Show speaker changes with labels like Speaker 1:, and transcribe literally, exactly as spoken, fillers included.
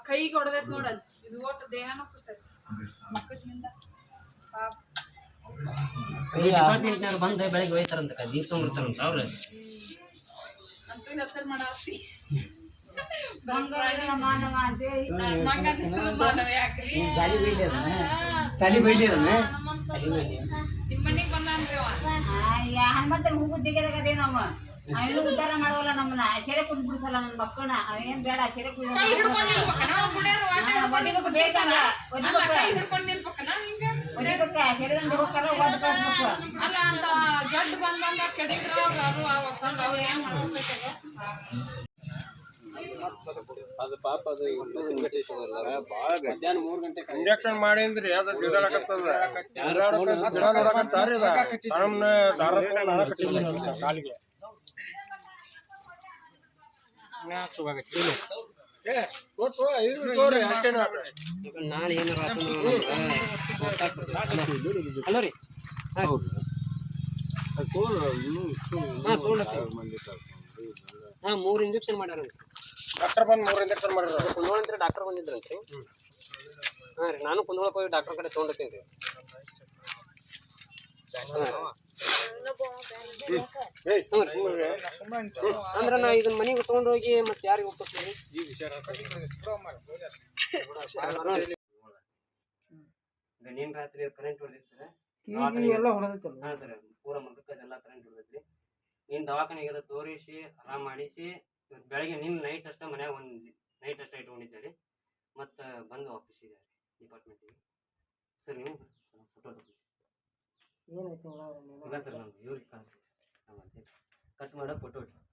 Speaker 1: ಕೈಗೆ ಹೊಡೆದೈತ್ ನೋಡಲ್ ಇದು ಒಟ್ಟು ದೇಹನ ಸುಟ್ಟೈತಿ ಮಕ್ಕಳಿಂದ ಪಾಪ
Speaker 2: ಡಿಪಾರ್ಟ್ಮೆಂಟ್ನಾಗ ಬಂದು ಬೆಳಗ್ಗೆ ಹೋಯ್ತಾರಂತ ಜೀಪ್ ತೊಗೊಂಡಿರ್ತಾರಂತ ಅವ್ರು
Speaker 1: ಅಂತೂ ಹೆಸರು ಮಾಡಾತಿ
Speaker 3: ಮಾನವ ಅಂತೇಳಿ
Speaker 1: ಮಾನವ ಯಾಕ್ರಿ
Speaker 3: ಜಾಲಿ ಬೈಲಿ ಅದನ್ನ
Speaker 4: ಸಾಲಿ ಬೈಲಿ ಅದನ್ನ
Speaker 1: ನಿಮ್ಮ ಮನೆಗೆ ಬಂದಾನ್ರಿ ಅವ
Speaker 3: ಹನುಮಂತನ ಹೂವು ಜಿಗದಾಗ ಅದೇ ನಮ್ಮ ಅವೇನು ಉದ್ಧಾರ ಮಾಡೋಲ್ಲ ನಮ್ಮನ್ನ ಸೆರೆ ಕುಂದ್ ಬಿಡಿಸಲ್ಲ ನನ್ನ ಮಕ್ಕಳನ್ನ ಅವೇನ್ ಬೇಡ ಸೆರೆ ಕುಂದ್
Speaker 1: ಕೈ ಹಿಡ್ಕೊಂಡು ನಿಲ್ಬೇಕನ ಅವ್ರು ಕುಡಿಯೋರು ವಾಟ ಹಿಡ್ಕೊಂಡು
Speaker 3: ಬೇಕಂದ್ರ
Speaker 1: ಅಲ್ಲ ಕೈ ಹಿಡ್ಕೊಂಡು ನಿಲ್ಬೇಕನ ಹಿಂಗ
Speaker 3: ಒದಿಬೇಕ ಸೆರೆದಂಗ ಹೋಗ್ತಾರ ಒದ್ ಕಳ್ಸ್ಬೇಕು
Speaker 1: ಅಲ್ಲ ಅಂತ ಜಡ್ ಬಂದ್ ಬಂದ ಕೆಡಿದ್ರ ಅವ್ರು ಆ ಒಕ್ಕಂದ ಅವ್ರು ಏನ್ ಮಾಡ್ಬೇಕು
Speaker 5: ಅದು ಪಾಪ ಅದು ಮಧ್ಯಾಹ್ನ ಮೂರು ಗಂಟೆ ಇಂಜೆಕ್ಷನ್ ಮಾಡಿದ್ರಿ ಅದು ಜಿಡಾಡಕತ್ತದ ಜಿಡಾಡಕತ್ತಾರಿ ಸಣ್ಣ ದಾರ ಕಾಲಿಗೆ
Speaker 2: ನಾಳೆ ಏನಾರ ಹಲೋ ರೀ ಹಾಂ ಹಾಂ ಮೂರು ಇಂಜೆಕ್ಷನ್ ಮಾಡ್ಯಾರ
Speaker 5: ಡಾಕ್ಟರ್ ಬಂದು ಮೂರು ಇಂಜೆಕ್ಷನ್ ಮಾಡಿದ್ರು
Speaker 2: ಕುಂದೋಳ ಅಂತ ಡಾಕ್ಟರ್ ಬಂದಿದ್ರಂತ್ರಿ ಹಾಂ ರೀ ನಾನು ಕುಂದೋಳಕ್ಕೆ ಹೋಗಿ ಡಾಕ್ಟರ್ ಕಡೆ ತೊಗೊಂಡಿರ್ತೀನಿ ರೀ ಅಂದ್ರೆ ನಾ ಇದನ್ನ ಮನೆಗೆ ತೊಗೊಂಡು ಹೋಗಿ ಮತ್ತೆ ಯಾರಿಗೆ ಒಪ್ಪಿಸ್ತೀನಿ ನೀನ್ ರಾತ್ರಿ ಕರೆಂಟ್ ಹೊಡೆದಿತ್ತು ಸರ್ ಹಾಂ ಸರ್ ಪೂರ ಮುಖಕ್ಕೆಲ್ಲ ಕರೆಂಟ್ ಹೊಡೆದೈತ್ರಿ ನೀನು ದವಾಖಾನೆಗೆ ತೋರಿಸಿ ಆರಾಮ್ ಮಾಡಿಸಿ ಬೆಳಗ್ಗೆ ನಿನ್ನ ನೈಟ್ ಅಷ್ಟೇ ಮನ್ಯಾಗ ಒಂದು ನೈಟ್ ಅಷ್ಟೇ ಇಟ್ಕೊಂಡಿದ್ದೆ ರೀ ಮತ್ತು ಬಂದು ಆಫೀಸಿಗೆ ಡಿಪಾರ್ಟ್ಮೆಂಟಿಗೆ ಸರ್ ನೀವು ಫೋಟೋ ತಗೊಂಡು ಇಲ್ಲ ಸರ್ ನಮ್ದು ಇವ್ರಿಗೆ ಕಳಿಸಿ ಕಟ್ ಮಾಡೋ ಫೋಟೋ